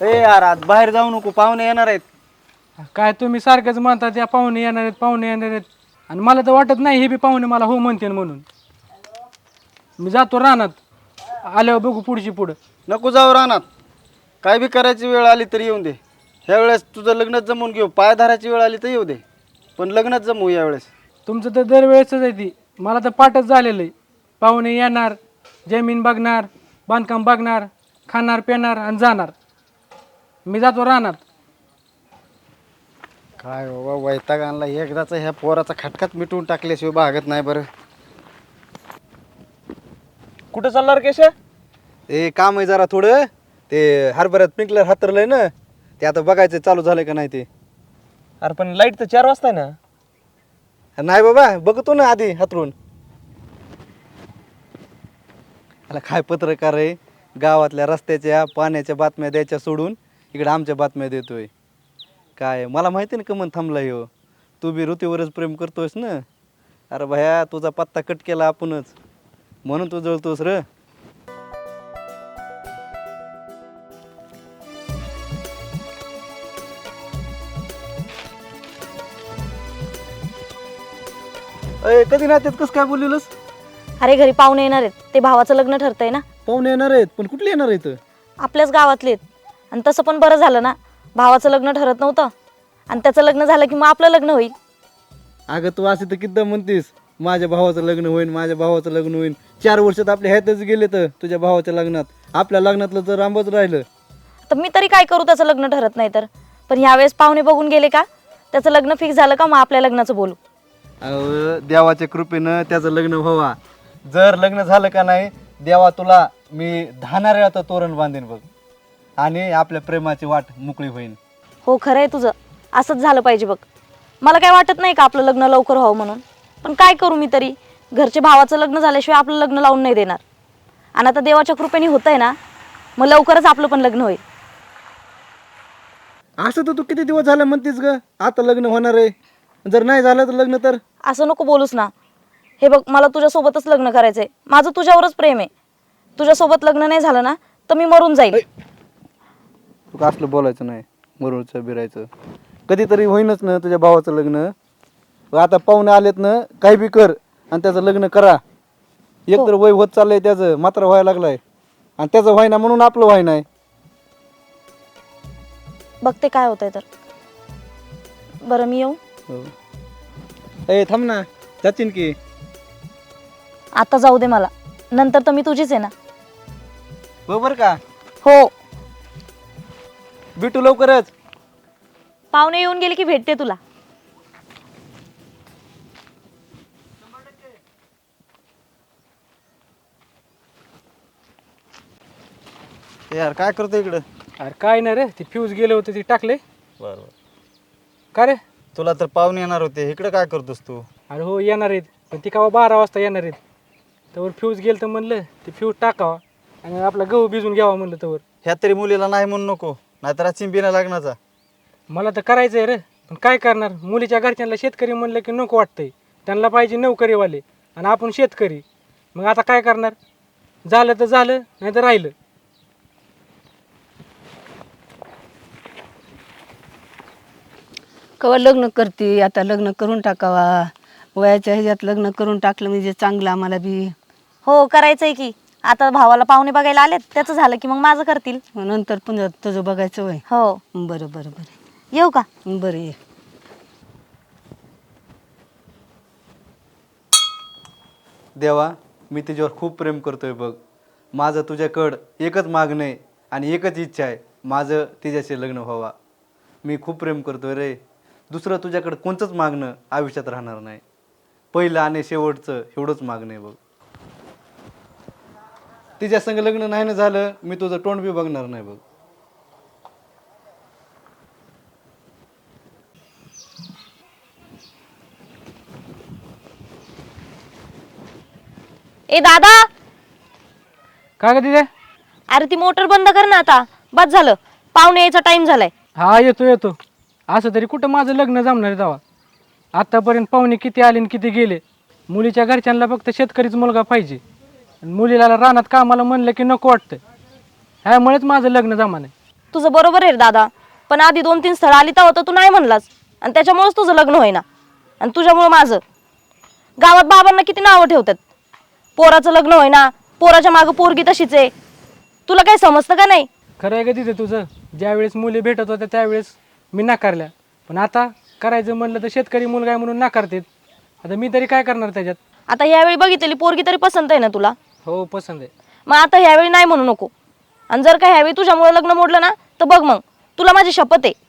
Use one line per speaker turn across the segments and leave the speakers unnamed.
ए यार आज बाहेर जाऊ नको, पाहुणे येणार आहेत.
काय तुम्ही सारखंच म्हणता त्या पाहुणे येणार आहेत पाहुणे येणार आहेत आणि मला तर वाटत नाही हे बी पाहुणे मला हो म्हणतील म्हणून. मी जातो रानात, आल्यावर बघू पुढची पुढं.
नको जाऊ रानात, काय बी करायची वेळ आली तर येऊन दे. ह्या वेळेस तुझं लग्नच जमवून घेऊ, पाय धरायची वेळ आली तर येऊ दे, पण लग्नच जमवू यावेळेस.
तुमचं तर दरवेळेसच आहे ती, मला तर पाठच झालेलं आहे. पाहुणे येणार, जमीन बघणार, बांधकाम बघणार, खाणार पिणार आणि जाणार. मी जातो रानात.
काय बाबा वैताग आणला एकदाचा, ह्या पोराचा खटकाच मिटवून टाकल्याशिवाय भागत नाही. बरं
कुठं चालणार केशा?
ए काम आहे जरा थोडं, ते हरभऱ्यात स्प्रिंकलर हातरलंय ना, ते आता बघायचं चालू झालंय का नाही ते.
अरे पण लाईट तर 4 वाजता आहे ना.
नाही बाबा, बघतो ना आधी हातरून. मला काय पत्रकार आहे, गावातल्या रस्त्याच्या पाण्याच्या बातम्या द्यायच्या सोडून इकडे आमच्या बातम्या देतोय. काय मला माहिती ना कमन थांबला हो, तू बी ऋतीवरच प्रेम करतोयस ना. अरे भया तुझा पत्ता कट केला आपणच, म्हणून तू जळतोस र. अय कधी नात्यात कसं काय बोललेलंस?
अरे घरी पाहुणे येणार आहेत, ते भावाचं लग्न ठरतंय ना.
पाहुणे येणार आहेत, पण कुठले येणार आहेत?
आपल्याच गावातले आहेत. आणि तसं पण बरं झालं ना, भावाचं लग्न ठरत नव्हतं आणि त्याचं लग्न झालं की मग आपलं लग्न होईल.
अगं तू असे तर किती म्हणतीस, माझ्या भावाचं लग्न होईल, माझ्या भावाचं लग्न होईल. 4 वर्षात आपले ह्यातच गेले तर तुझ्या भावाच्या लग्नात, आपल्या लग्नातलं तर रांबच राहिलं.
तर मी तरी काय करू, त्याचं लग्न ठरत नाही तर. पण ह्यावेळेस पाहुणे बघून गेले का, त्याचं लग्न फिक्स झालं का, मग आपल्या लग्नाचं बोलू.
अहो देवाच्या कृपेनं त्याचं लग्न व्हावा. जर लग्न झालं का नाही, देवा तुला मी 10 नारळाचं तोरण बांधेन बघ, आणि आपल्या प्रेमाची वाट मोकळी होईल.
हो खरं आहे तुझं, असंच झालं पाहिजे बघ. मला काय वाटत नाही का आपलं लग्न लवकर व्हावं म्हणून, पण काय करू मी तरी. घरचे भावाचं लग्न झाल्याशिवाय आपलं लग्न लावून नाही देणार. आणि आता देवाच्या कृपेने होतंय ना, मग लवकरच आपलं पण लग्न होईल.
असं तर तू किती दिवस झालं म्हणतीस ग, आता लग्न होणार आहे. जर नाही झालं तर लग्न तर.
असं नको बोलूस ना. हे बघ, मला तुझ्यासोबतच लग्न करायचंय. माझं तुझ्यावरच प्रेम आहे. तुझ्यासोबत लग्न नाही झालं ना तर मी मरून जाईल.
तू असलं बोलायचं नाही, मरूचं बिरायचं. कधीतरी होईनच ना तुझ्या भावाचं लग्न. आता पाहुणे आलेत ना, काही बी कर आणि त्याचं लग्न करा. एकतर वय होत चाललंय त्याचं, मात्र व्हायला लागलाय, आणि त्याचं व्हायना म्हणून आपलं व्हाय नाही.
बघते काय होतंय तर. बरं मी येऊ?
ए थांब ना, जातीन की.
आता जाऊ दे मला, नंतर तर मी तुझीच आहे ना.
बरोबर का?
हो.
भेटू लवकरच.
पाहुणे येऊन गेले की भेटते तुला.
यार काय करतो इकडं?
अरे काय नाही रे, ते फ्यूज गेले होते ते टाकले.
बरोबर.
का रे?
तुला तर पाहुणे येणार होते, इकडे काय करतोस तू?
अरे हो येणार आहेत, पण ती का 12 वाजता येणार आहेत. त्यावर फ्यूज गेलं तर म्हणलं ते फ्यूज टाकावा आणि आपला गहू भिजून घ्यावा म्हणलं. त्यावर
ह्या तरी मुलीला नाही म्हणू नको, नाहीतर चिंबीना लग्नाचा.
मला तर करायचं आहे रे, पण काय करणार. मुलीच्या घरच्यांना शेतकरी म्हणलं की नको वाटतंय. त्यांना पाहिजे नोकरीवाले आणि आपण शेतकरी. मग आता काय करणार. झालं तर झालं, नाही तर राहिलं.
कवा लग्न करते, आता लग्न करून टाकावा. वयाच्या ह्याच्यात लग्न करून टाकलं म्हणजे चांगलं आम्हाला बी.
हो करायचंय की. आता भावाला पाहुणे बघायला आलेत, त्याचं झालं की मग माझं करतील.
नंतर पुन्हा तुझं बघायचं वय.
हो.
बरं बरं बरं.
येऊ का?
बरं ये.
देवा, मी तुझ्यावर खूप प्रेम करतोय बघ. माझं तुझ्याकडं एकच मागणं आहे आणि एकच इच्छा आहे, माझं तिच्याशी लग्न व्हावा. मी खूप प्रेम करतोय रे. दुसरं तुझ्याकडं कोणतंच मागणं आयुष्यात राहणार नाही. पहिलं आणि शेवटचं एवढंच मागणं आहे बघ. तिच्या संग लग्न नाही ना झालं, मी तुझं तोंड बी बघणार नाही बघ.
ए दादा,
काय का तिथे?
अरे ती मोटर बंद कर ना आता. बस झालं, पाहुणे यायचा टाइम झालाय.
हा येतो येतो. असं तरी कुठं माझं लग्न जमणार आहे तेव्हा. आत्तापर्यंत पाहुणे किती आले आणि किती गेले. मुलीच्या घरच्यांना फक्त शेतकरीच मुलगा पाहिजे, आणि मुलीला रानात कामाला म्हणलं की नको वाटतं. ह्यामुळेच माझं लग्न जमा नाही.
तुझं बरोबर आहे रे दादा, पण आधी 2-3 स्थळं आली तेव्हा तर तू नाही म्हणलास आणि त्याच्यामुळेच तुझं लग्न होईना आणि तुझ्यामुळं माझं. गावात बाबांना किती नावं ठेवतात, पोराचं लग्न होईना, पोराच्या मागं पोरगी तशीच आहे. तुला काही समजतं का नाही?
खरं आहे का तिथे तुझं? ज्यावेळेस मुली भेटत होत्या त्यावेळेस मी नाकारल्या, पण आता करायचं म्हणलं तर शेतकरी मुलगा आहे म्हणून नाकारतेत. आता मी तरी काय करणार त्याच्यात?
आता ह्यावेळी बघितलेली पोरगी तरी पसंत आहे ना तुला?
हो पसंत आहे.
मग आता ह्यावेळी नाही म्हणू नको. आणि जर का ह्यावेळी तुझ्यामुळे लग्न मोडलं ना तर बघ मग, तुला माझी शपथ आहे.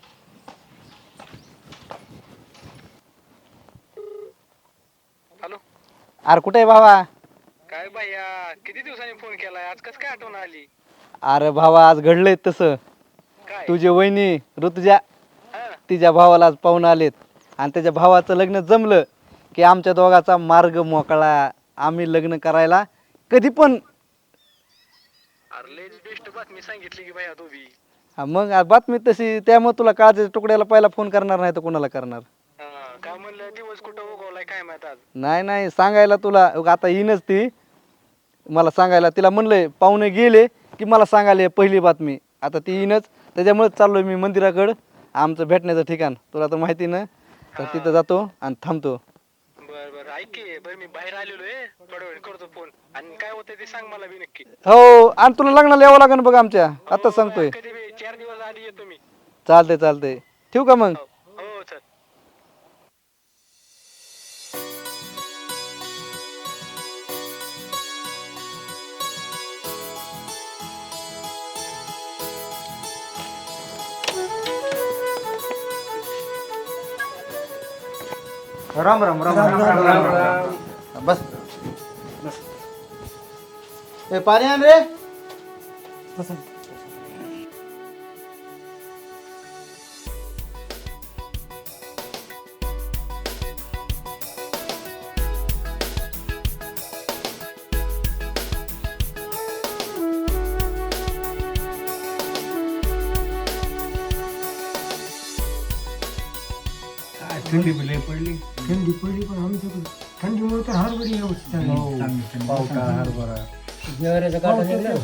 अरे कुठे आहे भावा?
काय भैया, किती दिवसांनी फोन केलाय, आज कस काय आठवण आली?
अरे भावा, आज घडलंय तसं.
काय?
तुझे वहिनी ऋतुजा तिच्या भावाला आज पाहून आलेत आणि त्याच्या भावाचं लग्न जमलं की आमच्या दोघाचा मार्ग मोकळा. आम्ही लग्न करायला कधी पण.
अरे लय बेस्ट बातमी सांगितली की भैया तू बी.
हा, मग आज बातमी तशी, त्यामुळे तुला काळजाच्या तुकड्याला पहिला फोन करणार नाही तर कोणाला करणार?
काय म्हणलं, दिवस कुठं उगवलाय काय माहित आज.
नाही सांगायला तुला. आता येईनच ती मला सांगायला. तिला म्हणलंय पाहुणे गेले की मला सांगायला पहिली बातमी. आता ती येईनच, त्याच्यामुळेच चाललोय मी मंदिराकडं. आमचं भेटण्याचं ठिकाण तुला तर माहिती ना, तर तिथं जातो आणि थांबतो.
बर ऐक की, बरं मी बाहेर आलेलो आहे, थोड्या वेळ करतो फोन, आणि काय होतं ते सांग मला बी नक्की.
हो, आणि तुला लग्नाला यावं लागेल बघ आमच्या. आता सांगतोय.
कधी बी 4 दिवस आधी येतो मी.
चालतंय. ठेवू का मग?
हो चल.
राम राम राम राम राम राम राम. बस बस. ए पाणी आण रे.
थंडी पडली पण आमच्याकडे थंडीमुळे तर हरभरी व्यवस्थित पावटा हरभरा ज्वारीचा काटा निघला.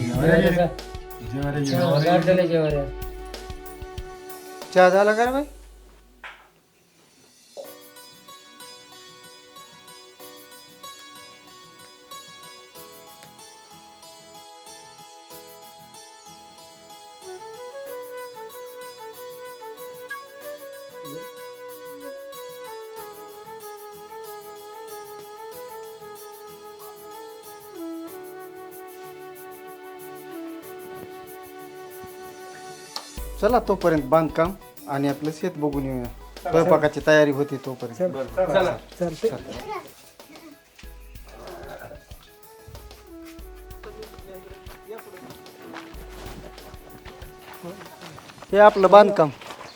चहा झाला का रे बाई? चला तोपर्यंत बांधकाम आणि आपलं शेत बघून येऊया. स्वयंपाकाची तयारी होती तोपर्यंत.
चालते.
हे आपलं बांधकाम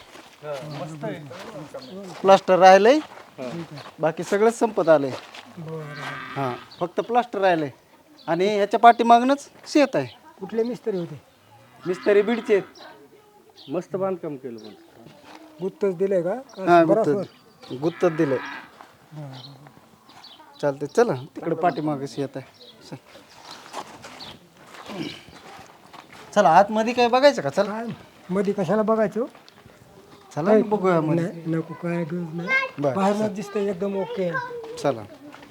प्लास्टर राहिलंय, बाकी सगळंच संपत आलंय. हां, फक्त प्लास्टर राहिलंय आणि ह्याच्या पाठीमागनच शेत आहे.
कुठले मिस्त्री होते?
मिस्त्री बीडचे आहेत.
मस्त बांधकाम केलं पण.
गुत्तच दिलंय का?
हां, गुत्तच दिलंय. चालतंय, चला तिकडे पाठीमागं शेत आहे. चल. चला आतमध्ये काय बघायचं का? चला
काय मध्ये कशाला बघायचो?
चला ना बघूया मध्ये.
नाही, नको, काय गरज नाही.
बरं,
बाहेरच दिसतंय एकदम ओके.
चला.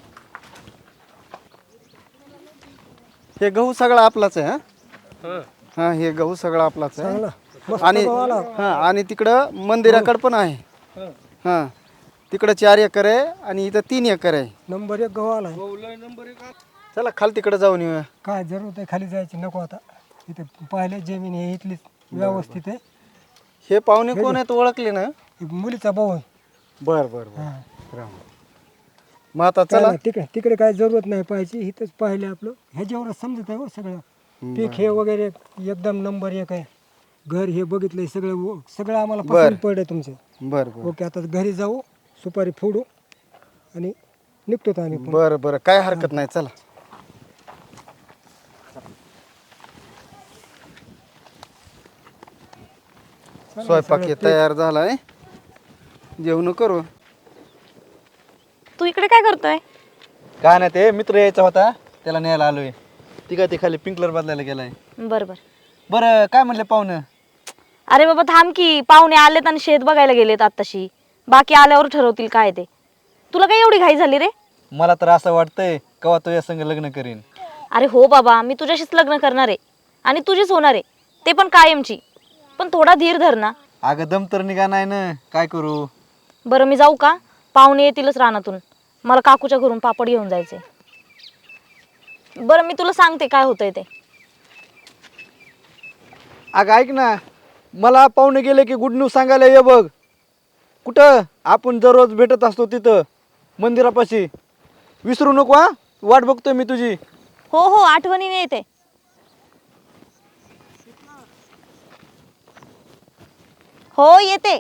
हे गहू सगळा आपलाच आहे. हा, हे गहू सगळा आपलाच आहे.
चांगला मस्त
आणि
गहू आला.
हा, आणि तिकडं मंदिराकडे पण आहे. हा, तिकडं 4 एकर आहे आणि इथं 3 एकर आहे.
नंबर 1 गहू आलाय.
चला खाली तिकडे जाऊन येऊया.
काय जरूरत आहे खाली जायची? नको आता. इथे पाहिले जमीन हे इथलीच व्यवस्थित आहे.
हे पाहुणे कोण आहेत ओळखले ना?
ही मुलीचा भाऊ आहे.
बर बर बर.
हा.
राम. मग आता
काय
चला.
नाही, तिकडे तिकडे काय जरूरत नाही पाहिजे. इथंच पाहिलं आपलं. ह्याच्यावरच समजत आहे हो सगळं. पीक हे वगैरे एकदम नंबर 1 आहे. घर हे बघितलंय सगळं सगळं आम्हाला पसंत पडलं तुमचं.
बर बर
ओके, आता घरी जाऊ, सुपारी फोडू आणि निघतो आम्ही पण.
बर बर, काय हरकत नाही. चला. स्वयंपाक हे तयार झालाय, जेवण करू.
तू इकडे काय करतोय?
काय नाही, ते मित्र यायचा होता त्याला न्यायला आलोय. ती काय ते खाली पिंकलर बदलायला गेलाय.
बरं बरं.
बरं काय म्हणले पाहुणं?
अरे बाबा थांब की, पाहुणे आलेत आणि शेत बघायला गेलेत आत्ताशी. बाकी आल्यावर ठरवतील काय ते. तुला काय एवढी घाई झाली रे?
मला तर असं वाटतंय केव्हा तुझ्या संग लग्न करीन.
अरे हो बाबा, मी तुझ्याशीच लग्न करणार आहे आणि तुझीच होणार आहे, ते पण कायमची. पण थोडा धीर धर ना.
अगं दम तर निघा नाही ना, काय करू?
बरं मी जाऊ का? पाहुणे येतीलच रानातून. मला काकूच्या घरून पापड घेऊन जायचे. बरं मी तुला सांगते काय होतंय ते.
अगं ऐक ना, मला पाहुणे गेले की गुड न्यूज सांगायला ये बघ. कुठं? आपण दररोज भेटत असतो तिथं मंदिरापाशी. विसरू नको हा, वाट बघतोय मी तुझी.
हो हो, आठवणीने येते. हो येते.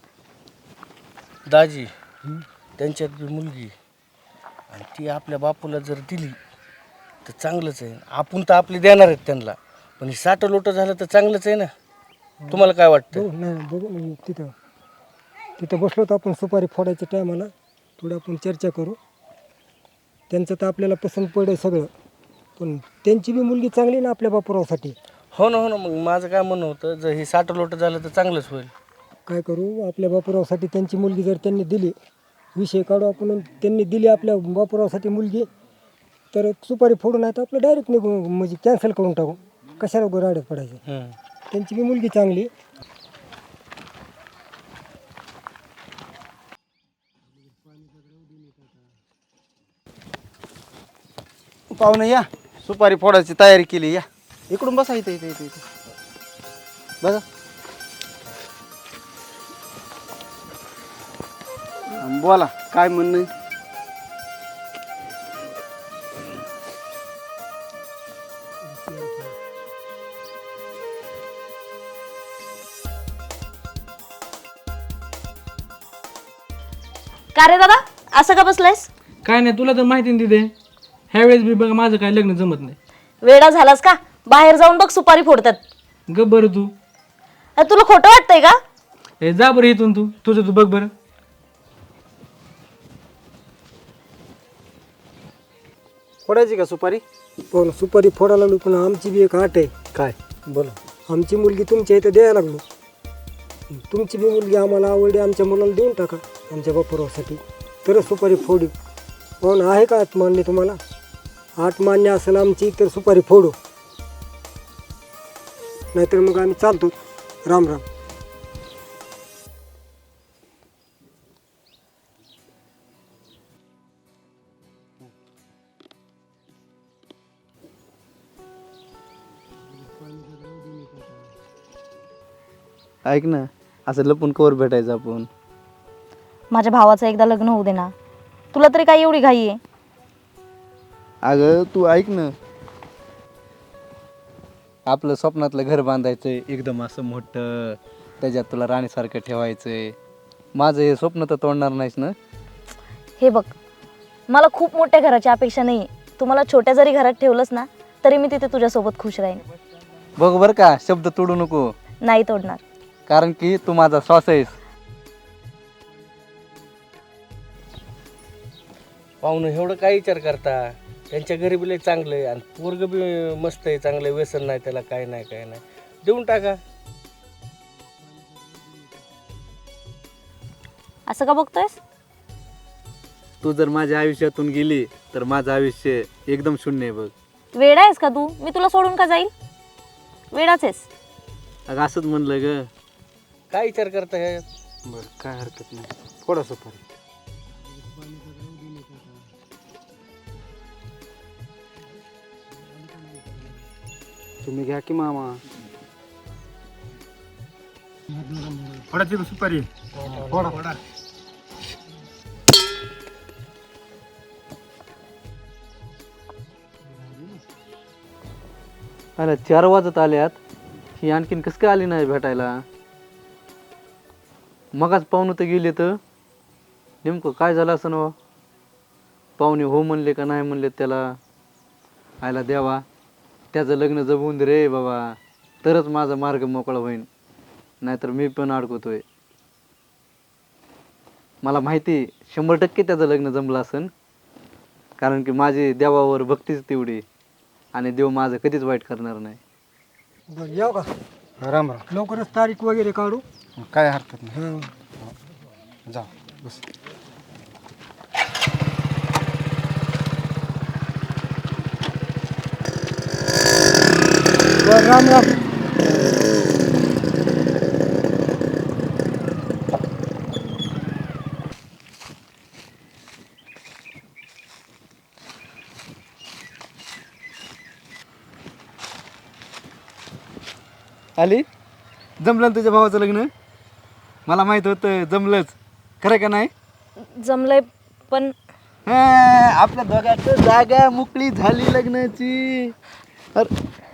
दाजी त्यांच्यात बी मुलगी आणि ती आपल्या बापूला जर दिली तर चांगलंच आहे. आपण तर आपली देणार आहेत त्यांना, पण हे साठं लोटं झालं तर चांगलंच आहे ना. तुम्हाला काय वाटतं?
बघू नाही बघू ना, तिथं तिथं बसलो तर आपण सुपारी फोडायच्या टायमाला थोडं आपण चर्चा करू. त्यांचं तर आपल्याला पसंत पडेल सगळं, पण त्यांची बी मुलगी चांगली ना आपल्या बापूरावसाठी.
हो ना, हो ना. मग माझं काय म्हणणं होतं, जर हे साठं लोटं झालं तर चांगलंच होईल.
काय करू, आपल्या बापूरावसाठी त्यांची मुलगी जर त्यांनी दिली, विषय काढू आपण. त्यांनी दिली आपल्या बापूरावसाठी मुलगी, तर सुपारी फोडून आहे तर आपलं डायरेक्ट निघू, म्हणजे कॅन्सल करून टाकू. कशाला उगाच राड्यात पडायचं. त्यांची बी मुलगी चांगली.
पाहुणं या, सुपारी फोडायची तयारी केली. या इकडून बसा, इथे इथे इथे इथे बघा. बोला काय म्हणणं आहे?
का रे दादा, असं का बसलायस?
काय नाही, तुला तर माहिती नाही तिथे ह्यावेळेस बी बघ माझं काय लग्न जमत नाही.
वेडा झालास का? बाहेर जाऊन बघ, सुपारी फोडतात.
गप बरं तू.
तुला खोटं वाटतंय का?
हे जा बरं इथून, तू तुझं तू बघ बरं.
फोडायची का सुपारी?
पण सुपारी फोडायला लागलो, पण आमची बी एक आट आहे.
काय बोला.
आमची मुलगी तुमच्या इथं द्यायला लागलो. तुमची बी मुलगी आम्हाला आवडली, आमच्या मुलाला देऊन टाका आमच्या बापुरावसाठी, तरच सुपारी फोडू. पण आहे का आठ मान्य तुम्हाला? आठ मान्य असेल आमची तर सुपारी फोडू, नाहीतर मग आम्ही चालतो. राम राम.
ऐक ना, असं लपून कवर भेटायचं आपण.
माझ्या भावाचं एकदा लग्न होऊ दे ना. तुला तरी काय एवढी घाई आहे?
अगं तू ऐक ना, आपलं स्वप्नातलं घर बांधायचंय एकदम असं मोठं, त्याच्यात तुला राणीसारखं ठेवायचंय. माझं हे स्वप्न तर तोडणार नाहीस ना?
हे बघ, मला खूप मोठ्या घराची अपेक्षा नाही आहे. तू मला छोट्या जरी घरात ठेवलंस ना, तरी मी तिथे तुझ्यासोबत खुश राहीन.
बघ बरं का, शब्द तोडू नको,
नाही तोडणार.
कारण की तू माझा श्वास आहेस.
पाहुणं एवढं काय विचार करता? त्यांच्या घरी बी लय चांगलं आहे आणि पोरग बी मस्त आहे, चांगलं आहे, व्यसन नाही त्याला, काय नाही काय नाही. देऊन टाका.
असं का बघतोयस?
तू जर माझ्या आयुष्यातून गेली तर माझं आयुष्य एकदम शून्य आहे बघ.
वेडा आहेस का तू? मी तुला सोडून का जाईल? वेडाच आहेस.
अगं असंच म्हणलं ग.
काय विचार करता ह्यात?
बरं काय हरकत नाही, फोडा सुपारी. तुम्ही घ्या की मामा.
फोडायची सुपारी फोडा.
अरे 4 वाजत आल्यात, ही आणखीन कसं काय आली नाही भेटायला? मगाच पाहुणं तर गेले, तर नेमकं काय झालं असं ना? पाहुणे हो म्हणले का नाही म्हणले त्याला? आयला द्यावा, त्याचं लग्न जमवून दे रे बाबा, तरच माझा मार्ग मोकळा होईल, नाहीतर मी पण अडकवतोय. मला माहिती 100% त्याचं लग्न जमलं असेल, कारण की माझी देवावर भक्तीच तेवढी, आणि देव माझं कधीच वाईट करणार नाही.
बरं येऊ का
राम राम
लवकरच तारीख वगैरे काढू
काय हरकत नाही
हं.
जा बस
बरं राम राम
आली जमलं ना तुझ्या भावाचं लग्न मला माहित होतं जमलंच खरं का नाही
जमलंय पण
आपल्या दोघांचं जागा मोकळी झाली लग्नाची अरे